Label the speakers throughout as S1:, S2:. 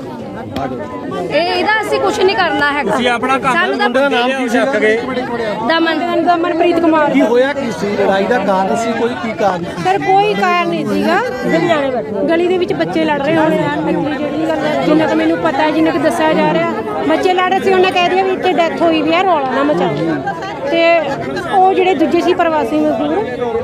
S1: ਇਹਦਾ ਅਸੀਂ ਕੁਝ ਨਹੀਂ ਕਰਨਾ ਹੈਗਾ।
S2: ਤੁਸੀਂ ਆਪਣਾ ਕੰਮ
S1: ਸਾਨੂੰ ਤਾਂ
S2: ਮੁੰਡੇ ਦਾ ਨਾਮ ਕੀ ਸੀ ਅੱਗੇ?
S1: ਦਮਨਪ੍ਰੀਤ ਕੁਮਾਰ।
S3: ਕੀ ਹੋਇਆ ਕੀ ਸੀ? ਲੜਾਈ ਦਾ ਕਾਰਨ ਸੀ ਕੋਈ? ਕੀ ਕਾਰਨ ਸੀ?
S4: ਸਰ ਕੋਈ ਕਾਰਨ ਨਹੀਂ ਸੀਗਾ। ਗਲੀ ਦੇ ਵਿੱਚ ਬੱਚੇ ਲੜ ਰਹੇ ਹੋਣੇ ਆ। ਜਿਹੜੀ ਗੱਲ ਜਿੰਨਾ ਕਿ ਮੈਨੂੰ ਪਤਾ ਹੈ, ਜਿੰਨਾ ਕਿ ਦੱਸਿਆ ਜਾ ਰਿਹਾ, ਬੱਚੇ ਲੜ ਰਹੇ ਸੀ। ਉਹਨੇ ਕਹਿ ਦਿਆ ਵੀ ਇੱਥੇ ਡੈਥ ਹੋਈ ਵੀ ਆ, ਰੌਲਾ ਨਾ ਮਚਾਓ। ਤੇ ਉਹ ਜਿਹੜੇ ਦੂਜੇ ਸੀ ਪ੍ਰਵਾਸੀ ਮਜ਼ਦੂਰ,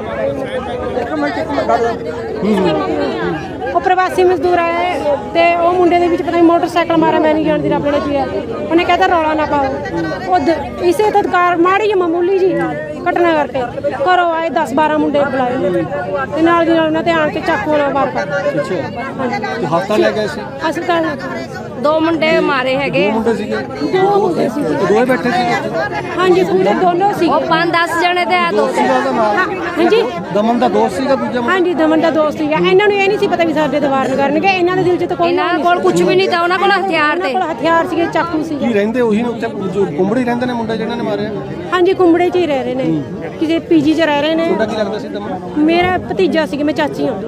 S4: ਉਹ ਪ੍ਰਵਾਸੀ ਮਜ਼ਦੂਰ ਆਏ ਤੇ ਉਹ ਮੁੰਡੇ ਦੇ ਵਿੱਚ ਪਤਾ ਨਹੀਂ ਮੋਟਰਸਾਈਕਲ ਮਾਰਿਆ, ਮੈਂ ਨਹੀਂ ਜਾਣਦੀ ਰੱਬ ਨੇ ਕੀ ਹੈ। ਉਹਨੇ ਕਹਿੰਦਾ ਰੌਲਾ ਨਾ ਪਾਓ। ਉਹ ਇਸੇ ਤਦਕਾਰ ਮਾੜੀ ਜਿਹੀ ਮਾਮੂਲੀ ਜੀ ਘਟਨਾ ਕਰਕੇ ਘਰੋਂ ਆਏ 10-12 ਮੁੰਡੇ ਬੁਲਾਏ ਤੇ ਨਾਲ ਦੀ ਨਾਲ ਉਹਨਾਂ ਤੇ ਆਣ ਕੇ ਚਾਕੂ ਨਾਲ ਵਾਰ ਕਰ
S3: ਹਸਪਤਾਲ ਲੈ ਗਏ ਸੀ?
S4: ਹਸਪਤਾਲ
S1: 2 ਮੁੰਡੇ ਮਾਰੇ ਹੈਗੇ।
S4: ਦੋ ਮੁੰਡੇ ਸੀ।
S3: ਦੋਵੇਂ ਬੈਠੇ ਸੀ?
S4: ਹਾਂਜੀ ਪੂਰੇ ਦੋਨੋਂ ਸੀ।
S1: ਉਹ 5-10 ਜਣੇ ਤੇ ਆ 2
S4: ਹਾਂਜੀ
S3: ਦਮਨ ਦਾ ਦੋਸਤ ਸੀਗਾ ਦੂਜਾ?
S4: ਹਾਂਜੀ ਦਮਨ ਦਾ ਦੋਸਤ ਸੀਗਾ। ਇਹਨਾਂ ਨੂੰ ਇਹ ਨਹੀਂ ਸੀ ਪਤਾ ਵੀ ਸਾਡੇ ਦੀਵਾਰ ਨੂੰ ਕਰਨਗੇ। ਇਹਨਾਂ ਦੇ ਦਿਲ 'ਚ ਤਾਂ ਕੋਈ
S1: ਇਹਨਾਂ ਕੋਲ ਕੁਝ ਵੀ ਨਹੀਂ ਤਾਂ ਉਹਨਾਂ ਕੋਲ ਹਥਿਆਰ ਤੇ
S4: ਹਥਿਆਰ ਸੀਗੇ, ਚਾਕੂ ਸੀਗੇ।
S3: ਕੀ ਰਹਿੰਦੇ ਉਹੀ ਨੇ ਉੱਥੇ ਜੋ ਕੁੰਬੜੀ ਰਹਿੰਦੇ ਨੇ ਮੁੰਡੇ ਜਿਹਨਾਂ ਨੇ ਮਾਰਿਆ?
S4: ਹਾਂਜੀ ਕੁੰਬੜੇ 'ਚ ਹੀ ਰਹਿ ਰਹੇ ਨੇ, ਕਿਸੇ ਪੀਜੀ 'ਚ ਰਹਿ ਰਹੇ ਨੇ।
S3: ਤੁਹਾਡਾ ਕੀ ਲੱਗਦਾ ਸੀ ਦਮਨ?
S4: ਮੇਰਾ ਭਤੀਜਾ ਸੀ, ਮੈਂ ਚਾਚੀ ਹਾਂ।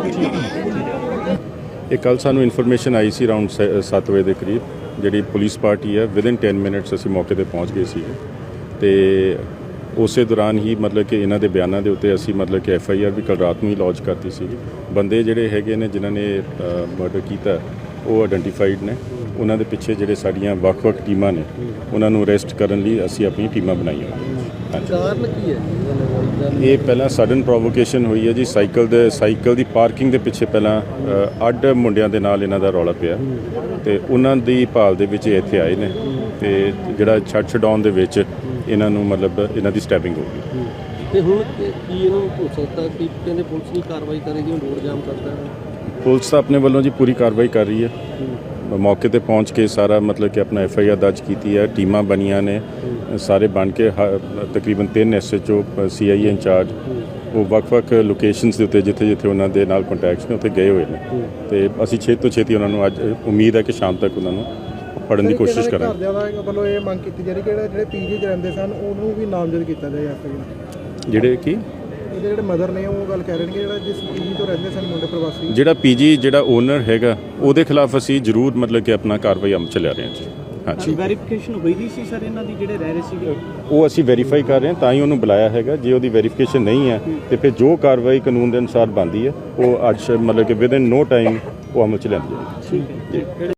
S5: ਇਹ ਕੱਲ੍ਹ ਸਾਨੂੰ ਇਨਫੋਰਮੇਸ਼ਨ ਆਈ ਸੀ ਅਰਾਊਂਡ 7 ਵਜੇ ਦੇ ਕਰੀਬ। ਜਿਹੜੀ ਪੁਲਿਸ ਪਾਰਟੀ ਹੈ ਵਿਦਿਨ 10 ਮਿੰਟਸ ਅਸੀਂ ਮੌਕੇ ਤੇ ਪਹੁੰਚ ਗਏ ਸੀ ਤੇ ਉਸੇ ਦੌਰਾਨ ਹੀ ਮਤਲਬ ਕਿ ਇਹਨਾਂ ਦੇ ਬਿਆਨਾਂ ਦੇ ਉੱਤੇ ਅਸੀਂ ਮਤਲਬ ਕਿ FIR ਵੀ ਕੱਲ੍ਹ ਰਾਤ ਨੂੰ ਹੀ ਲੌਂਚ ਕਰਤੀ ਸੀ। ਬੰਦੇ ਜਿਹੜੇ ਹੈਗੇ ਨੇ ਜਿਨ੍ਹਾਂ ਨੇ ਮਰਡਰ ਕੀਤਾ ਉਹ ਆਇਡੈਂਟੀਫਾਈਡ ਨੇ। ਉਹਨਾਂ ਦੇ ਪਿੱਛੇ ਜਿਹੜੇ ਸਾਡੀਆਂ ਵੱਖ-ਵੱਖ ਟੀਮਾਂ ਨੇ ਉਹਨਾਂ ਨੂੰ ਅਰੈਸਟ ਕਰਨ ਲਈ ਅਸੀਂ ਆਪਣੀ ਟੀਮਾਂ ਬਣਾਈਆਂ।
S3: ਕਾਰਨ ਕੀ ਹੈ?
S5: ਇਹ ਪਹਿਲਾਂ ਸਡਨ ਪ੍ਰੋਵੋਕੇਸ਼ਨ ਹੋਈ ਹੈ ਜੀ। ਸਾਈਕਲ ਦੀ ਪਾਰਕਿੰਗ ਦੇ ਪਿੱਛੇ ਪਹਿਲਾਂ ਅੱਡ ਮੁੰਡਿਆਂ ਦੇ ਨਾਲ ਇਹਨਾਂ ਦਾ ਰੌਲਾ ਪਿਆ ਤੇ ਉਹਨਾਂ ਦੀ ਭਾਲ ਦੇ ਵਿੱਚ ਇੱਥੇ ਆਏ ਨੇ ਤੇ ਜਿਹੜਾ ਛੱਡ ਛਡਾਉਣ ਦੇ ਵਿੱਚ ਇਹਨਾਂ ਨੂੰ ਮਤਲਬ ਇਹਨਾਂ ਦੀ ਸਟੈਪਿੰਗ ਹੋ ਗਈ।
S3: ਤੇ ਹੁਣ ਕੀ ਇਹਨੂੰ ਹੋ ਸਕਦਾ ਕਿ ਕਹਿੰਦੇ ਪੁਲਿਸ ਨਹੀਂ ਕਾਰਵਾਈ ਕਰੇਗੀ, ਰੋਡ ਜਾਮ ਕਰਦਾ?
S5: ਪੁਲਿਸ ਤਾਂ ਆਪਣੇ ਵੱਲੋਂ ਜੀ ਪੂਰੀ ਕਾਰਵਾਈ ਕਰ ਰਹੀ ਹੈ। ਮੌਕੇ ਤੇ ਪਹੁੰਚ ਕੇ ਸਾਰਾ ਮਤਲਬ ਕਿ ਆਪਣਾ FIR ਦਰਜ ਕੀਤੀ ਹੈ। ਟੀਮਾਂ ਬਣੀਆਂ ਨੇ ਸਾਰੇ ਬਣ ਕੇ। ਤਕਰੀਬਨ 3 SHO CI ਇੰਚਾਰਜ ਉਹ ਵੱਖ-ਵੱਖ ਲੋਕੇਸ਼ਨਸ ਦੇ ਉੱਤੇ ਜਿੱਥੇ ਉਹਨਾਂ ਦੇ ਨਾਲ ਕੰਟੈਕਟਸ ਨੇ ਉੱਥੇ ਗਏ ਹੋਏ ਨੇ ਤੇ ਅਸੀਂ ਛੇਤੀ ਤੋਂ ਛੇਤੀ ਉਹਨਾਂ ਨੂੰ ਅੱਜ ਉਮੀਦ ਹੈ ਕਿ ਸ਼ਾਮ ਤੱਕ ਉਹਨਾਂ ਨੂੰ ਫੜਨ ਦੀ ਕੋਸ਼ਿਸ਼ ਕਰਾਂਗੇ।
S6: ਘਰਦਿਆਂ ਦਾ ਵੱਲੋਂ ਇਹ ਮੰਗ ਕੀਤੀ ਜਾ ਰਹੀ ਕਿ ਜਿਹੜੇ PG 'ਚ ਰਹਿੰਦੇ ਸਨ ਉਹਨੂੰ ਵੀ ਨਾਮਜ਼ਦ ਕੀਤਾ ਜਾਏ FIR।
S5: ਜਿਹੜੇ ਕੀ
S6: ਇਹਦੇ ਜਿਹੜੇ ਮਦਰ ਨੇ ਉਹ ਗੱਲ ਕਹਿ ਰਹੇ ਨੇ ਕਿ ਜਿਹੜਾ ਜਿਸ PG ਤੋਂ ਰਹਿੰਦੇ ਸਨ ਮੁੰਡੇ ਪ੍ਰਵਾਸੀ,
S5: ਜਿਹੜਾ PG ਜਿਹੜਾ ਓਨਰ ਹੈਗਾ ਉਹਦੇ ਖਿਲਾਫ ਅਸੀਂ ਜ਼ਰੂਰ ਮਤਲਬ ਕਿ ਆਪਣਾ ਕਾਰਵਾਈ ਅਮਲ 'ਚ ਲਿਆ ਰਹੇ ਹਾਂ ਜੀ। ਹਾਂਜੀ
S7: ਵੈਰੀਫਿਕੇਸ਼ਨ ਹੋਈ ਨਹੀਂ ਸੀ ਸਰ ਇਹਨਾਂ ਦੀ ਜਿਹੜੇ ਰਹਿ ਰਹੇ ਸੀਗੇ?
S5: ਉਹ ਅਸੀਂ ਵੈਰੀਫਾਈ ਕਰ ਰਹੇ ਹਾਂ ਤਾਂ ਹੀ ਉਹਨੂੰ ਬੁਲਾਇਆ ਹੈਗਾ। ਜੇ ਉਹਦੀ ਵੈਰੀਫਿਕੇਸ਼ਨ ਨਹੀਂ ਹੈ ਤੇ ਫਿਰ ਜੋ ਕਾਰਵਾਈ ਕਾਨੂੰਨ ਦੇ ਅਨੁਸਾਰ ਬਣਦੀ ਹੈ ਉਹ ਅੱਜ ਮਤਲਬ ਕਿ ਵਿਦਿਨ ਨੋ ਟਾਈਮ ਉਹ ਅਮਲ 'ਚ ਲਿਆਂਦੀ ਜਾਏਗੀ।